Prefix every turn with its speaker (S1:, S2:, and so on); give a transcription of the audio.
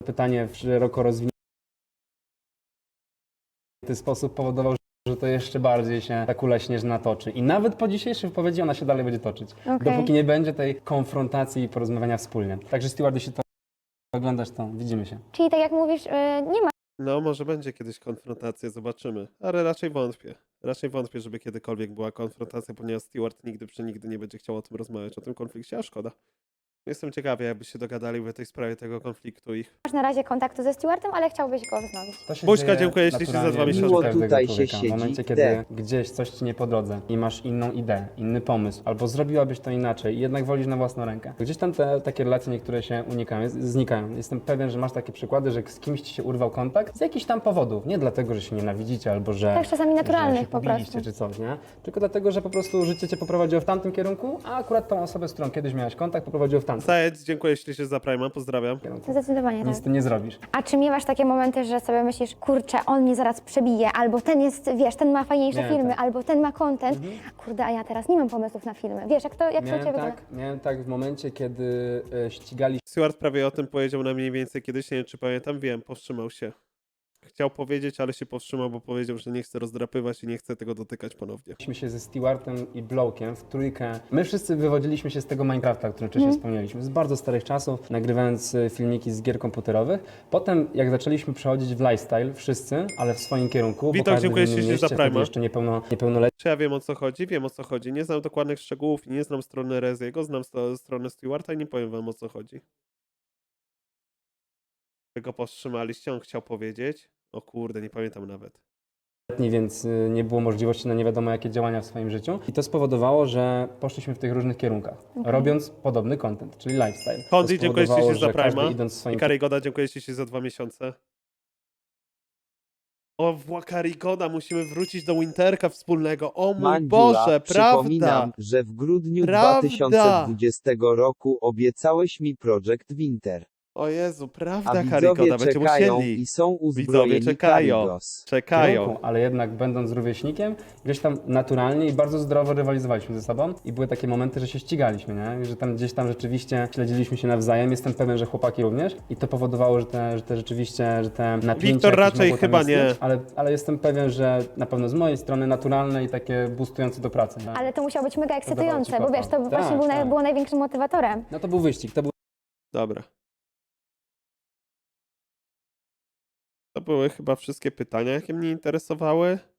S1: pytanie w szeroko rozwinięty sposób powodował, że to jeszcze bardziej się ta kula śnieżna toczy. I nawet po dzisiejszej wypowiedzi ona się dalej będzie toczyć. Dopóki nie będzie tej konfrontacji i porozmawiania wspólnie. Także Steward, jeśli to oglądasz, to widzimy się.
S2: Czyli tak jak mówisz, nie ma
S3: No, może będzie kiedyś konfrontacja, zobaczymy. Ale raczej wątpię. Raczej wątpię, żeby kiedykolwiek była konfrontacja, ponieważ Steward nigdy nie będzie chciał o tym rozmawiać, o tym konflikcie, a szkoda. Jestem ciekawy, jakby się dogadali w tej sprawie tego konfliktu ich.
S2: na razie kontaktu ze Stewardem, ale chciałbyś go wznowić.
S1: To się
S3: Buźka,
S1: dzieje
S3: dziękuję ślicznie za 2
S1: naturalnie
S3: miesiące.
S1: u
S3: Miło
S1: każdego
S4: tutaj się
S1: człowieka. W momencie,
S4: siedzi,
S1: kiedy gdzieś coś ci nie po drodze i masz inną ideę, inny pomysł, albo zrobiłabyś to inaczej i jednak wolisz na własną rękę. Gdzieś tam te takie relacje niektóre się znikają. Jestem pewien, że masz takie przykłady, że z kimś ci się urwał kontakt z jakichś tam powodów. Nie dlatego, że się nienawidzicie albo że...
S2: Tak, czasami naturalnych
S1: że się
S2: po
S1: pobiliście
S2: prostu.
S1: czy coś, nie? Tylko dlatego, że po prostu życie cię poprowadziło w tamtym kierunku, a akurat tą osobę, z którą kiedyś miałeś kontakt, poprowadziło w tamtym
S3: Zajec, dziękuję ślicznie za Prima, pozdrawiam.
S1: kierunku.
S2: Zdecydowanie tak.
S1: Nic z tym nie zrobisz.
S2: A czy miewasz takie momenty, że sobie myślisz, kurczę, on mnie zaraz przebije, albo ten jest, wiesz, ten ma fajniejsze
S1: Miałem
S2: filmy,
S1: tak.
S2: albo ten ma content. Kurde, a ja teraz nie mam pomysłów na filmy. Wiesz, jak to u Ciebie wygląda?
S1: Miałem tak w momencie, kiedy ścigali
S3: Steward prawie o tym powiedział na mniej więcej kiedyś, nie wiem czy pamiętam, wiem, powstrzymał się. Chciał powiedzieć, ale się powstrzymał, bo powiedział, że nie chce rozdrapywać i nie chce tego dotykać ponownie.
S1: się ze Stewardem i Blowkiem w trójkę. My wszyscy wywodziliśmy się z tego Minecrafta, o którym wcześniej wspomnieliśmy, z bardzo starych czasów, nagrywając filmiki z gier komputerowych. Potem, jak zaczęliśmy przechodzić w lifestyle, wszyscy, ale w swoim kierunku,
S3: Witam,
S1: bo każdy
S3: dziękuję
S1: w innym
S3: ślicznie za
S1: mieście, wtedy
S3: Prima.
S1: jeszcze niepełnoletni.
S3: Czy ja wiem o co chodzi? Wiem o co chodzi. Nie znam dokładnych szczegółów, nie znam strony Reziego, znam stronę Stewarta i nie powiem wam o co chodzi. Tego powstrzymaliście, on chciał powiedzieć. O kurde, nie pamiętam nawet.
S1: Więc nie było możliwości na nie wiadomo jakie działania w swoim życiu. I to spowodowało, że poszliśmy w tych różnych kierunkach, robiąc podobny content, czyli lifestyle. To
S3: Kondy, dziękuję
S1: spowodowało,
S3: ślicznie za
S1: że każdy
S3: Prima.
S1: idąc
S3: I
S1: swoim
S3: Karygoda, dziękuję ślicznie za 2 miesiące. O, Karygoda, musimy wrócić do Winterka wspólnego. O mój
S4: Mandziula,
S3: Boże, prawda!
S4: przypominam, że w grudniu
S3: Prawda.
S4: 2020 roku obiecałeś mi Project Winter.
S3: O Jezu,
S4: A
S3: prawda,
S4: widzowie
S3: Karygoda, będziecie
S4: czekają
S3: musieli.
S4: i są uzbrojeni
S3: Widzowie czekają.
S4: Karygos.
S3: Czekają.
S1: kierunku, ale jednak będąc rówieśnikiem, gdzieś tam naturalnie i bardzo zdrowo rywalizowaliśmy ze sobą i były takie momenty, że się ścigaliśmy, nie? Że tam gdzieś tam rzeczywiście śledziliśmy się nawzajem. Jestem pewien, że chłopaki również i to powodowało, że te napięcia
S3: Wiktor
S1: jakieś
S3: raczej
S1: mogło tam
S3: chyba nie.
S1: istnieć, ale jestem pewien, że na pewno z mojej strony naturalne i takie boostujące do pracy. Nie?
S2: Ale to musiało być mega
S1: Dawało ci
S2: ekscytujące, bo
S1: kopa.
S2: wiesz, to
S1: Tak,
S2: właśnie
S1: tak.
S2: było największym motywatorem.
S1: No to był wyścig, to był
S3: Dobra. To były chyba wszystkie pytania, jakie mnie interesowały.